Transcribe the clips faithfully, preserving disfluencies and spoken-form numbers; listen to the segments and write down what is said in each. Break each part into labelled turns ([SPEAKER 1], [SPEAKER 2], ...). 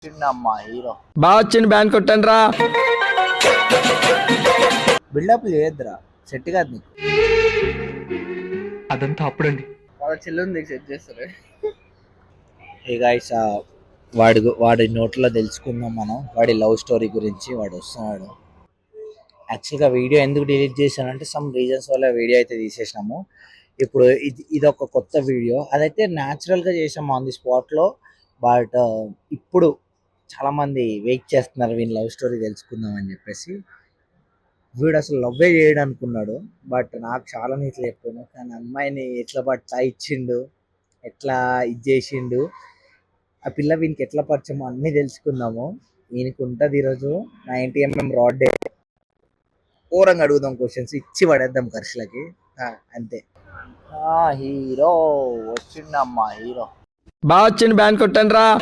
[SPEAKER 1] చిన్నమ్మా hero
[SPEAKER 2] బాగా వచ్చింది బ్యాన్ కొట్టండి రా.
[SPEAKER 1] బిల్డప్ చేయొద్దురా, సెట్ కాదు నీకు.
[SPEAKER 2] అదంతా అప్పుడండి.
[SPEAKER 3] వాళ్ళ చెల్లుంది సెట్ చేస్తారు.
[SPEAKER 1] హే గైస్, వాడి గు- వాడి నోట్లో తెలుసుకుందాం మనం వాడి లవ్ స్టోరీ గురించి. వాడు వస్తున్నాడు. యాక్చువల్గా వీడియో ఎందుకు డిలీట్ చేశానంటే సమ్ రీజన్స్ వల్ల వీడియో అయితే తీసేసినాము. ఇప్పుడు ఇది ఇది ఒక కొత్త వీడియో. అదైతే న్యాచురల్గా చేసాము ఆన్ ది స్పాట్లో. బట్ ఇప్పుడు చాలామంది వెయిట్ చేస్తున్నారు వీని లవ్ స్టోరీ తెలుసుకుందాం అని చెప్పేసి. వీడు అసలు లవ్వే చేయడు అనుకున్నాడు, బట్ నాకు చాలా నీట్లు చెప్పాను. కానీ అమ్మాయిని ఎట్లా పట్టా ఇచ్చిండు, ఎట్లా ఇది చేసిండు, ఆ పిల్ల వీనికి ఎట్లా పరిచయమో అన్నీ తెలుసుకుందాము. ఈయనకి ఉంటుంది ఈరోజు నైంటీ ఎంఎం రాడ్ డే. ఘోరంగా అడుగుదాం, క్వశ్చన్స్ ఇచ్చి పడేద్దాం ఖర్చులకి. ఆ, అంతే. హీరో వచ్చిండమ్మా హీరో.
[SPEAKER 2] బాగా వచ్చింది బ్యాన్ కొట్టండి రా.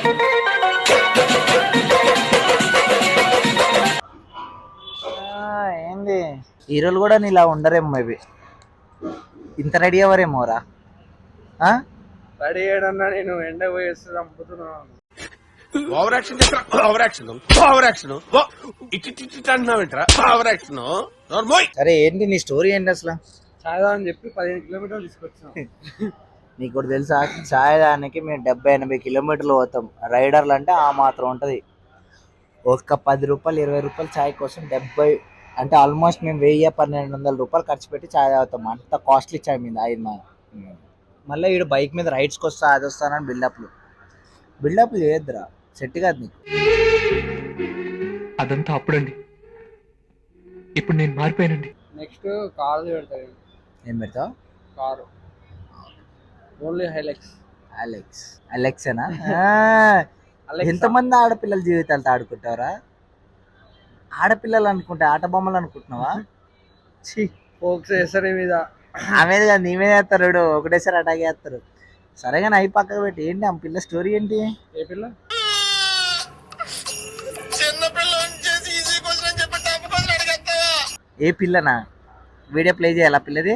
[SPEAKER 1] ఏంది హీరోలు కూడా నీలా ఉండరేమో, మేబీ ఇంత రెడీ అవ్వరేమోరా.
[SPEAKER 3] రెడీ అయ్యాడన్నా నేను ఎండ పోయేస్తే చంపుతున్నాను.
[SPEAKER 4] Over action over action over action ఇటు ఇటు అంటున్నావేంట్రా ఓవర్ యాక్షన్.
[SPEAKER 1] సరే ఏంటి నీ స్టోరీ ఏంటి అసలు?
[SPEAKER 3] చాయదా అని చెప్పి పదిహేను కిలోమీటర్లు తీసుకొచ్చాం.
[SPEAKER 1] నీకు కూడా తెలుసా, ఛాయ్ దానికి మేము డెబ్బై ఎనభై కిలోమీటర్లు పోతాం. రైడర్లు అంటే ఆ మాత్రం ఉంటుంది. ఒక్క పది రూపాయలు ఇరవై రూపాయలు ఛాయ్ కోసం డెబ్బై అంటే ఆల్మోస్ట్ మేము వెయ్యి పన్నెండు వందల రూపాయలు ఖర్చు పెట్టి ఛాయ్ తాగుతాం. అంత కాస్ట్లీ ఛాయ్ మీద అయింది మా. మళ్ళీ వీడు బైక్ మీద రైడ్స్కి వస్తా అది వస్తానని బిల్డప్లు బిల్డప్లు చేయొద్దురా, సెట్ కాదు నీకు.
[SPEAKER 2] అదంతా అప్పుడండి. ఇప్పుడు నేను మారిపోయానండి.
[SPEAKER 3] నెక్స్ట్ కారు పెడతాను.
[SPEAKER 1] ఏం పెడతావు?
[SPEAKER 3] Car only Hilux.
[SPEAKER 1] అలెక్స్ అలెక్సేనా? ఎంతమంది ఆడపిల్లల జీవితాలతో ఆడుకుంటావరా? ఆడపిల్లలు అనుకుంటే ఆట బొమ్మలు అనుకుంటున్నావా? ఛీ,
[SPEAKER 3] ఫోక్స్ వేస్తారు మీద.
[SPEAKER 1] ఆమెది కాదు, నీ మీద వేస్తారు. వీడు ఒకటేసారి అటాక్ చేస్తారు. సరేగా అయి పక్కకు పెట్టి ఏంటి ఆ పిల్ల స్టోరీ ఏంటి?
[SPEAKER 3] ఏ పిల్ల?
[SPEAKER 1] ఏ పిల్లనా? వీడియో ప్లే చేయాలి ఆ పిల్లది?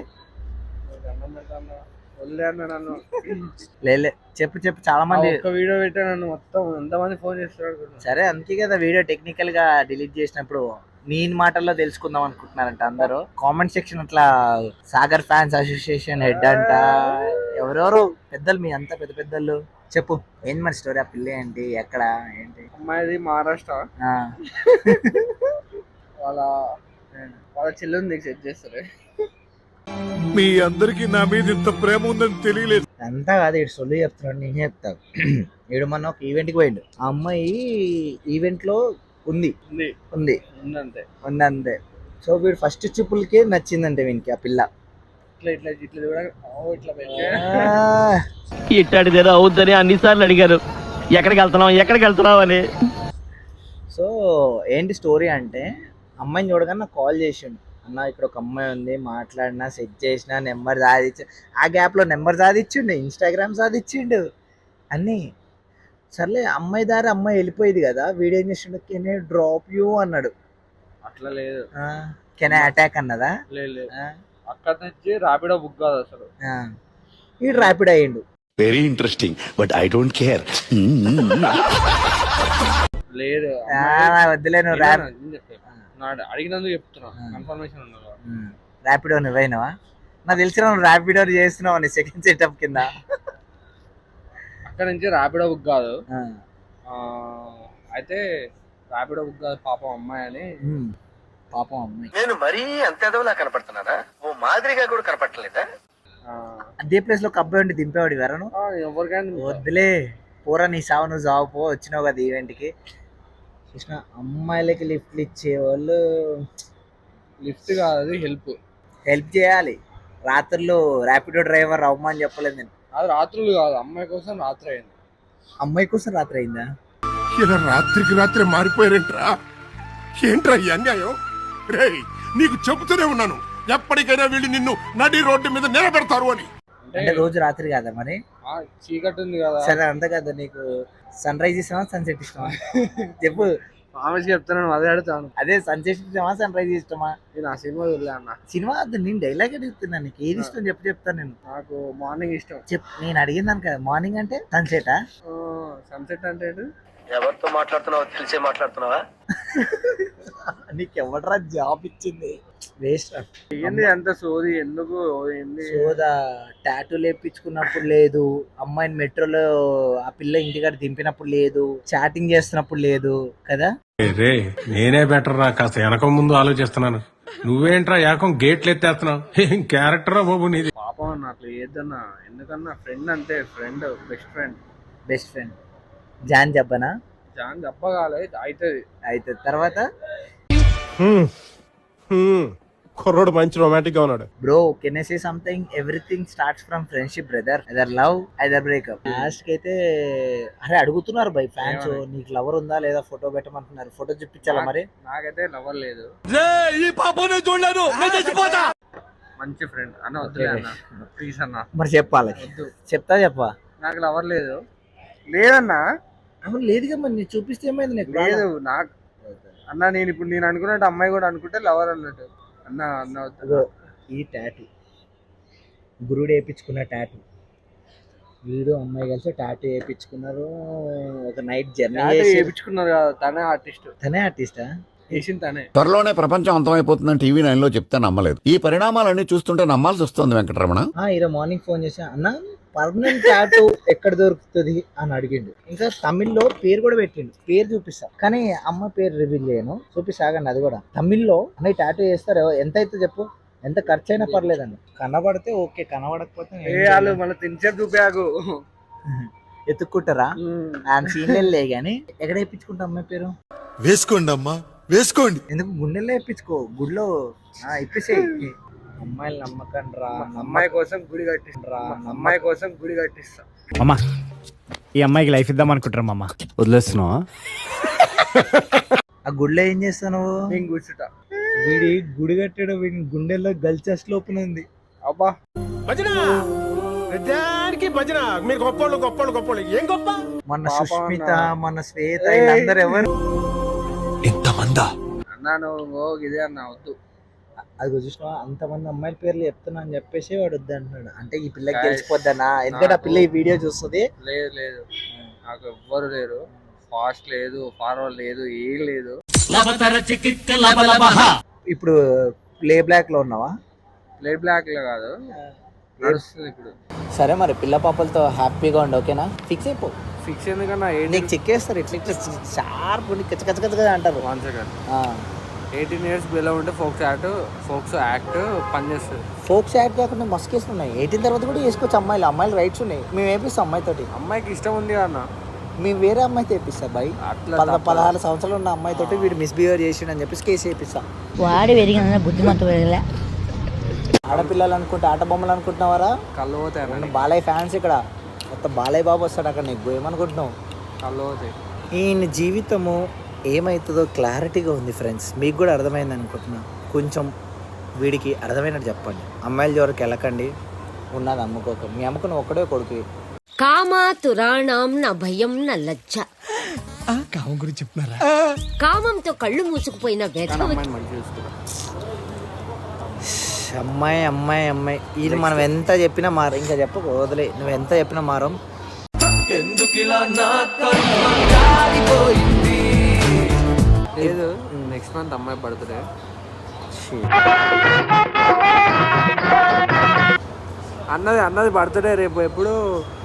[SPEAKER 3] నన్ను
[SPEAKER 1] లేలే, చెప్పు చెప్పు. చాలా మంది
[SPEAKER 3] ఒక వీడియో పెట్టా నన్ను మొత్తం ఎంతమంది ఫోన్ చేస్తారు.
[SPEAKER 1] సరే అందుకే కదా వీడియో టెక్నికల్ గా డిలీట్ చేసినప్పుడు నేను మాటల్లో తెలుసుకుందాం అనుకుంటున్నారంట అందరూ. కామెంట్ సెక్షన్ అట్లా సాగర్ ఫ్యాన్స్ అసోసియేషన్ హెడ్ అంట, ఎవరెవరు పెద్దలు, మీ అంతా పెద్ద పెద్దలు. చెప్పు ఏంటి మరి స్టోరీ? ఆ పిల్ల ఏంటి, ఎక్కడ, ఏంటి?
[SPEAKER 3] అమ్మాయిది మహారాష్ట్ర.
[SPEAKER 1] ఆ.
[SPEAKER 3] వాళ్ళ వాళ్ళ చెల్లుంది సెట్ చేస్తారు.
[SPEAKER 4] మీ అందరికి నా మీద ఇంత ప్రేమ ఉందని తెలియలేదు.
[SPEAKER 1] అంతా కాదు, ఇటు సొల్లు చెప్తున్నాడు, నేనే చెప్తాను. ఈడు మొన్న ఒక ఈవెంట్కి పోయిండు. ఆ అమ్మాయి ఈవెంట్ లో ఉంది
[SPEAKER 3] ఉంది
[SPEAKER 1] ఉంది
[SPEAKER 3] ఉందంతే
[SPEAKER 1] ఉంది అంతే. సో వీడు ఫస్ట్ చూపులకి నచ్చిందంటే వీనికి ఆ పిల్ల.
[SPEAKER 3] ఇట్లా ఇట్లా ఇట్లా కూడా ఇట్లా పెట్టే
[SPEAKER 2] ఇట్టాడిదేదో అవుద్దని అన్నిసార్లు అడిగారు, ఎక్కడికి వెళ్తున్నావు ఎక్కడికి వెళ్తున్నావు అని.
[SPEAKER 1] సో ఏంటి స్టోరీ అంటే, అమ్మాయిని చూడగానే నాకు కాల్ చేసిండు. అన్న ఇక్కడ ఒక అమ్మాయి ఉంది, మాట్లాడినా సెట్ చేసిన నెంబర్ సాధించు. ఆ గ్యాప్లో నెంబర్ సాధించిండు, ఇన్స్టాగ్రామ్ సాధించిండు అన్నీ. సర్లే అమ్మాయి దారి అమ్మాయి వెళ్ళిపోయేది కదా, వీడియో ఏం చేసిండు, కెన్ ఐ డ్రాప్ యూ అన్నాడు.
[SPEAKER 3] అట్లా లేదు.
[SPEAKER 1] కెన్ ఐ అటాక్ అన్నదా?
[SPEAKER 3] లేదు, అక్కడ నుంచి ర్యాపిడో బుక్ కాదు అసలు.
[SPEAKER 1] వీడు ర్యాపిడ్ అయ్యిండు.
[SPEAKER 4] Very interesting but I don't care.
[SPEAKER 3] లేదు
[SPEAKER 1] వద్దులే, నువ్వు ర్యాప్
[SPEAKER 3] అడిగినందుకు చెప్తున్నా, కన్ఫర్మేషన్ ఉండదు.
[SPEAKER 1] ర్యాపిడో నువ్వైనావా? నాకు తెలిసిన నువ్వు ర్యాపిడో చేస్తున్నావు అని సెకండ్ సెటప్ కింద.
[SPEAKER 3] అక్కడ నుంచి ర్యాపిడో బుక్ కాదు. అయితే ర్యాపిడో బుక్ కాదు పాపం అమ్మాయి అని.
[SPEAKER 1] పాపం అమ్మాయి.
[SPEAKER 4] నేను మరీ అంత ఎదవలా కనపడుతున్నారా? ఓ మాదిరిగా కూడా కనపడలేదా?
[SPEAKER 1] అదే ప్లేస్ లో ఒక అబ్బాయి ఉండి దింపేవాడు ఎవరను?
[SPEAKER 3] ఎవరికైనా
[SPEAKER 1] వద్దులే, పోరా నీ సావు నువ్వు జాబ్ పో. వచ్చినావు కదా ఈవెంట్ కి. కృష్ణ, అమ్మాయిలకి లిఫ్ట్లు ఇచ్చేవాళ్ళు
[SPEAKER 3] లిఫ్ట్ కాదు, అది హెల్ప్
[SPEAKER 1] హెల్ప్ చేయాలి. రాత్రులు ర్యాపిడో డ్రైవర్ అవ్వమని చెప్పలేదు నేను.
[SPEAKER 3] అది రాత్రులు కాదు, అమ్మాయి కోసం రాత్రి అయింది.
[SPEAKER 1] అమ్మాయి కోసం రాత్రి అయిందా?
[SPEAKER 4] ఇలా రాత్రికి రాత్రి మారిపోయారేంట్రా? ఏంట్రా ఈ అన్యాయం? రే, నీకు చెబుతూనే ఉన్నాను, ఎప్పటికైనా వీళ్ళు నిన్ను నడి రోడ్డు మీద నిలబెడతారు అని.
[SPEAKER 1] అంటే రోజు రాత్రి కాదా మరి?
[SPEAKER 3] చీకటి ఉంది కదా.
[SPEAKER 1] సరే అంతే కదా, నీకు సన్ రైజ్ ఇష్టమా సన్సెట్ ఇష్టమా చెప్పు.
[SPEAKER 3] ఆమెకి చెప్తున్నాను, అదే అడుగుతాను.
[SPEAKER 1] అదే సన్సెట్ ఇష్టమా సన్ రైజ్ ఇష్టమా?
[SPEAKER 3] నేను ఆ సినిమా చూడలే అన్న.
[SPEAKER 1] సినిమా వద్దు, నేను డైలాగ్ అడుగుతున్నాను, నీకు ఏది ఇష్టం చెప్పు, చెప్తాను నేను.
[SPEAKER 3] నాకు మార్నింగ్ ఇష్టం.
[SPEAKER 1] చెప్, నేను అడిగిందాను కదా మార్నింగ్ అంటే సన్సెటా?
[SPEAKER 3] సన్సెట్ అంటే
[SPEAKER 2] ఎవరితో మాట్లాడుతున్నావో తెలిసే మాట్లాడుతున్నావా?
[SPEAKER 1] నీకు ఎవడరా జాబ్ ఇచ్చింది? వేస్ట్
[SPEAKER 3] ఏంది అంత సోది ఎందుకు ఏంది?
[SPEAKER 1] సోదా టాటూ లేపించుకున్నప్పుడు లేదు, అమ్మాయిని మెట్రోలో ఆ పిల్ల ఇంటికాడ దింపినప్పుడు లేదు, చాటింగ్ చేస్తున్నప్పుడు లేదు కదా.
[SPEAKER 5] రే నేనే బెటర్ రా, కాస్త వెనక ముందు ఆలోచిస్తున్నాను. నువ్వేంట్రా ఏకం గేట్లు ఎత్తేస్తున్నావు? ఏం క్యారెక్టర్ బాబు నీది.
[SPEAKER 3] పాపం అన్న అట్లా ఏదన్నా, ఎందుకన్నా ఫ్రెండ్ అంటే friend, best friend.
[SPEAKER 1] Best friend జాన్ చెప్పనా?
[SPEAKER 3] జాన్ చెప్పగాలే అవుతుంది.
[SPEAKER 1] అయితే తర్వాత
[SPEAKER 4] కుర్రోడు మంచి రొమాంటిక్ గా ఉన్నాడు.
[SPEAKER 1] Bro can I say something? Everything starts from friendship brother. Either love either breakup. Last కి అయితే అరే అడుగుతున్నారు బై ఫ్యాన్స్, నీకు లవర్ ఉందా లేదా ఫోటో పెట్టమంటున్నారు. ఫోటో చూపించాలా మరి?
[SPEAKER 3] నాకైతే లవర్ లేదు. మంచి ఫ్రెండ్ అన్న వద్దులే అన్న ప్లీజ్ అన్న.
[SPEAKER 1] మరి చెప్పాలి, చెప్తా చెప్పా.
[SPEAKER 3] నాకు లవర్ లేదు. లేదన్నా.
[SPEAKER 1] అవును లేదుగా, మరి నేను చూపిస్తే ఏమైంది? నీకు
[SPEAKER 3] లేదు నాకు అన్న. నేను ఇప్పుడు నేను అనుకున్నట్టు అమ్మాయి కూడా అనుకుంటే లవర్ అన్నట్టు అన్న. అన్న వద్దు.
[SPEAKER 1] ఈ టాటూ గురుడు వేయించుకున్న టాటూ, వీడు అమ్మాయి కలిసి టాటూ వేయించుకున్నారు. ఒక నైట్ జర్నీ
[SPEAKER 3] చేయించుకున్నారు కదా, తనే ఆర్టిస్ట్.
[SPEAKER 1] తనే ఆర్టిస్టా?
[SPEAKER 3] చేసింది తనే.
[SPEAKER 6] త్వరలోనే ప్రపంచం అంతమైపోతుందని టీవీ నైన్ లో చెప్తే నమ్మలేదు. ఈ పరిణామాలన్నీ చూస్తుంటే నమ్మాల్సి వస్తుంది వెంకటరమణ.
[SPEAKER 1] ఈరోజు మార్నింగ్ ఫోన్ చేసా, అన్న పర్మనెంట్ టాటూ ఎక్కడ దొరుకుతుంది అని అడిగిండు. ఇంకా తమిళ్లో పేరు కూడా పెట్టిండు, పేరు చూపిస్తా కానీ అమ్మ పేరు రివీల్ చేయను. చూపిస్తాగండి అది కూడా. తమిళ్లో అన్న టాటూ చేస్తారు, ఎంత అయితే చెప్పు, ఎంత ఖర్చు అయినా పర్లేదండి. కనబడితే ఓకే, కనబడకపోతే
[SPEAKER 3] వాళ్ళు మళ్ళీ తినిచేపు చూపాకు
[SPEAKER 1] ఎత్తుక్కుంటారా? ఆయన సీన్లే గానీ ఎక్కడ వేయించుకుంటా అమ్మాయి పేరు?
[SPEAKER 7] వేసుకోండి అమ్మా వేసుకోండి.
[SPEAKER 1] ఎందుకు గుండెల్లో వేయించుకో, గుడిలో ఇప్పేసేయి. అమ్మాయిలు నమ్మకండి రా,
[SPEAKER 3] అమ్మాయి కోసం గుడి కట్టిస్తా. అమ్మాయి కోసం గుడి కట్టిస్తా.
[SPEAKER 8] అమ్మా ఈ అమ్మాయికి లైఫ్ ఇద్దాం అనుకుంటారా అమ్మా? వదిలేస్తున్నావా?
[SPEAKER 1] ఆ గుడిలో ఏం చేస్తావు నువ్వు?
[SPEAKER 3] నేను కూర్చుంటా.
[SPEAKER 1] వీడి గుడి కట్టాడు, వీడి గుండెల్లో గల్చెస్ లోపల ఉంది.
[SPEAKER 3] అబ్బా
[SPEAKER 4] భజన ప్రతిదానికి భజన. మీరు గొప్పోళ్ళు గొప్పోళ్ళు గొప్పోళ్ళు. ఏం గొప్ప?
[SPEAKER 1] మన సుష్మిత, మన శ్వేత, వీళ్ళందరూ ఎవరు?
[SPEAKER 7] ఇంతమందా?
[SPEAKER 3] అన్నా నువ్వు ఇదే అన్న వద్దు.
[SPEAKER 1] అది చూసినా అంతమంది అమ్మాయిల పేర్లు చెప్తున్నా అని చెప్పేసి వాడు వద్దు అంటున్నాడు. అంటే ఈ పిల్లకి తెలిసిపోద్దనా? ఎందుకంటే ఆ పిల్ల ఈ వీడియో చూస్తుంది.
[SPEAKER 3] లేదు లేదు నాకు ఎవ్వరు లేరు. ఫాస్ట్ లేదు, ఫార్వర్డ్ లేదు, ఏం లేదు.
[SPEAKER 1] ఇప్పుడు ప్లే బ్లాక్ లో ఉన్నావా?
[SPEAKER 3] ప్లే బ్లాక్ లో కాదు, నడుస్తుంది ఇప్పుడు.
[SPEAKER 1] సరే మరి పిల్ల పాపలతో హ్యాపీగా ఉండు, ఓకేనా? ఫిక్స్ అయిపో.
[SPEAKER 3] ఫిక్స్ ఎందుకన్నా
[SPEAKER 1] నీకు చెక్కేస్తారు ఇట్లా ఇట్లా షార్ప్ ఉండి కచ్చ కచ్చ కచ్చగా అంటారు.
[SPEAKER 3] One second. Eighteen years below ఉంటే ఫోక్స్ యాక్ట్ ఫోక్స్ యాక్ట్ పనిచేస్తుంది.
[SPEAKER 1] ఫోక్స్ యాక్ట్ కాకుండా మస్తు కేసులు ఉన్నాయి. ఎయిటీన్ తర్వాత కూడా వేసుకోవచ్చు అమ్మాయిలు. అమ్మాయిలు రైట్స్ ఉన్నాయి. మేము వేపిస్తాం అమ్మాయితోటి.
[SPEAKER 3] అమ్మాయికి ఇష్టం ఉంది అన్న,
[SPEAKER 1] మేము వేరే అమ్మాయితో వేపిస్తాం బాయ్. పద పదహారు సంవత్సరాలు ఉన్న అమ్మాయితోటి వీడు మిస్బిహేవ్ చేసిండు అని చెప్పేసి కేసు వేపిస్తాం.
[SPEAKER 9] వాడి పెరిగిన బుద్ధిమంతు పెరగలే.
[SPEAKER 1] ఆడపిల్లలు అనుకుంటే ఆట బొమ్మలు అనుకుంటున్నావారా?
[SPEAKER 3] కళ్ళు పోతాయి.
[SPEAKER 1] బాలయ్య ఫ్యాన్స్ ఇక్కడ మొత్తం బాలయ్య బాబు వస్తాడు అక్కడ. నీకు ఏమనుకుంటున్నావు?
[SPEAKER 3] కళ్ళు పోతాయి.
[SPEAKER 1] ఈయన జీవితము ఏమవుతుందో క్లారిటీగా ఉంది ఫ్రెండ్స్. మీకు కూడా అర్థమైంది అనుకుంటున్నా. కొంచెం వీడికి అర్థమైనట్టు చెప్పండి. అమ్మాయిల జోరికి వెళ్ళకండి, ఉన్నది అమ్ముకోక. మీ అమ్ముకున్న ఒక్కడే కొడుకు.
[SPEAKER 9] కామాతురాణం నా భయం నా లజ్జ.
[SPEAKER 7] కామం గురించి చెప్తున్నారా?
[SPEAKER 9] కామంతో కళ్ళు మూసుకుపోయిన వ్యధ.
[SPEAKER 1] అమ్మాయి అమ్మాయి అమ్మాయి ఇది మనం ఎంత చెప్పినా మారం. ఇంకా చెప్పకు, వదిలే. నువ్వు ఎంత చెప్పినా మారం.
[SPEAKER 3] లేదు నెక్స్ట్ మంత్ అమ్మాయి బర్త్డే. అన్నది అన్నది బర్త్డే రేపు. ఎప్పుడు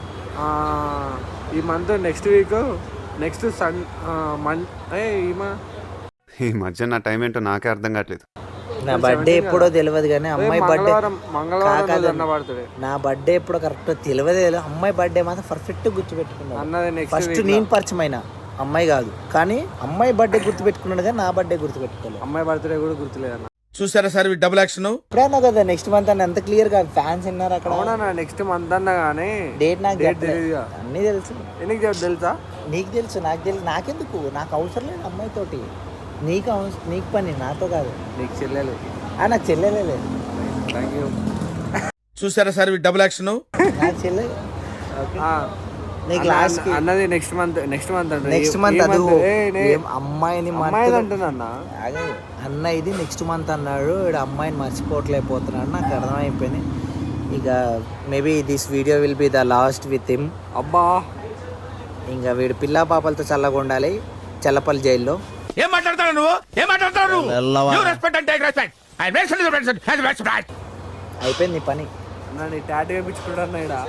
[SPEAKER 3] ఈ మంత్ నెక్స్ట్ వీక్ నెక్స్ట్ సన్ మన్ ఈమా.
[SPEAKER 10] ఈ మధ్య నా టైం ఏంటో నాకే అర్థం కావట్లేదు.
[SPEAKER 1] నా బర్త్డే ఎప్పుడో తెలియదు కానీ అమ్మాయి బర్త్డే
[SPEAKER 3] మంగళవారం బర్త్డే.
[SPEAKER 1] నా బర్త్డే ఎప్పుడో కరెక్ట్ తెలియదు. అమ్మాయి బర్త్డే మాత్రం పర్ఫెక్ట్ గుర్తుపెట్టుకున్నాను.
[SPEAKER 3] అన్నది నెక్స్ట్
[SPEAKER 1] ఫస్ట్ నేను పరిచయం అయినా అమ్మాయి కాదు, కానీ అమ్మాయి బర్త్డే గుర్తు పెట్టుకున్నాడు కానీ నా బర్త్డే గుర్తు పెట్టుకోలేదు.
[SPEAKER 3] అమ్మాయి బర్త్డే కూడా గుర్తులేదు అన్న.
[SPEAKER 7] చూసారా సార్ డబుల్ యాక్షన్?
[SPEAKER 1] ఇప్పుడన్నా కదా నెక్స్ట్ మంత్ అని ఎంత క్లియర్ గా ఫ్యాన్స్ విన్నారు అక్కడ.
[SPEAKER 3] అవునా నెక్స్ట్ మంత్ అన్న కానీ
[SPEAKER 1] డేట్ నాకు
[SPEAKER 3] తెలియదు.
[SPEAKER 1] అన్నీ తెలుసు.
[SPEAKER 3] ఎందుకు తెలుసా?
[SPEAKER 1] నీకు తెలుసు, నాకు తెలుసు. నాకెందుకు? నాకు అవసరం లేదు అమ్మాయితోటి. నీకు అవసరం, నీకు పని, నాతో కాదు.
[SPEAKER 3] నీకు చెల్లెలు.
[SPEAKER 1] నాకు చెల్లెలే లేదు.
[SPEAKER 3] Thank you.
[SPEAKER 7] చూసారా సార్ డబుల్ యాక్షన్?
[SPEAKER 1] నాకు చెల్లె. నీకు లాస్ట్
[SPEAKER 3] అన్నది నెక్స్ట్ మంత్ నెక్స్ట్ మంత్ అంటే
[SPEAKER 1] నెక్స్ట్ మంత్ అది అమ్మాయిని
[SPEAKER 3] అంటున్నా
[SPEAKER 1] అన్న. ఇది నెక్స్ట్ మంత్ అన్నాడు. ఇక్కడ అమ్మాయిని మర్చిపోవట్లేకపోతున్నాడు. నాకు అర్థమైపోయింది. ఇక maybe this video will be the last with him.
[SPEAKER 3] అబ్బా
[SPEAKER 1] ఇంకా వీడు పిల్లా పాపలతో చల్లగా ఉండాలి చల్లపల్లి జైల్లో.
[SPEAKER 7] ఏం మాట్లాడతావు నువ్వు ఏం మాట్లాడతావు నువ్వు
[SPEAKER 2] వెళ్ళవా.
[SPEAKER 7] You respect and take respect. I respect and respect and respect.
[SPEAKER 1] అయిపోయింది నీ పని.
[SPEAKER 3] అన్న నీ టాటూ వేయించుకుంటాను ఇక్కడ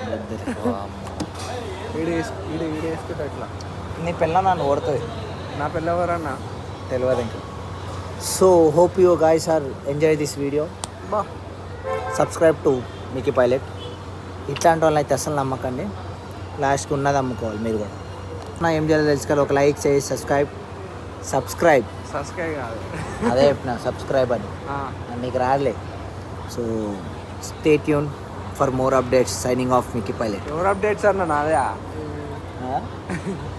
[SPEAKER 3] వీడు వేసు వీడు వీడు వేసుకుంటా ఇట్లా.
[SPEAKER 1] నీ పిల్ల నన్ను ఓడుతుంది
[SPEAKER 3] నా పిల్లవరన్నా
[SPEAKER 1] తెలియదు ఇంకా. So hope you guys are enjoy this video.
[SPEAKER 3] బా
[SPEAKER 1] సబ్స్క్రైబ్ టు మికీ పైలట్. ఇట్లాంటి వాళ్ళని అయితే అసలు నమ్మకండి, లాస్ట్కి ఉన్నది అమ్ముకోవాలి మీరు కూడా. నా ఏం చేయాలో తెలుసుకోవాలి, ఒక లైక్ చేసి సబ్స్క్రైబ్ సబ్స్క్రైబ్
[SPEAKER 3] సబ్స్క్రైబ్ కాదు
[SPEAKER 1] అదే చెప్పిన సబ్స్క్రైబ్ అని
[SPEAKER 3] ఆ,
[SPEAKER 1] నీకు రాలే. So stay tune for more updates. Signing off Mickey pilot.
[SPEAKER 3] ఎవరు అప్డేట్స్ అన్న నాదే
[SPEAKER 1] ఆ?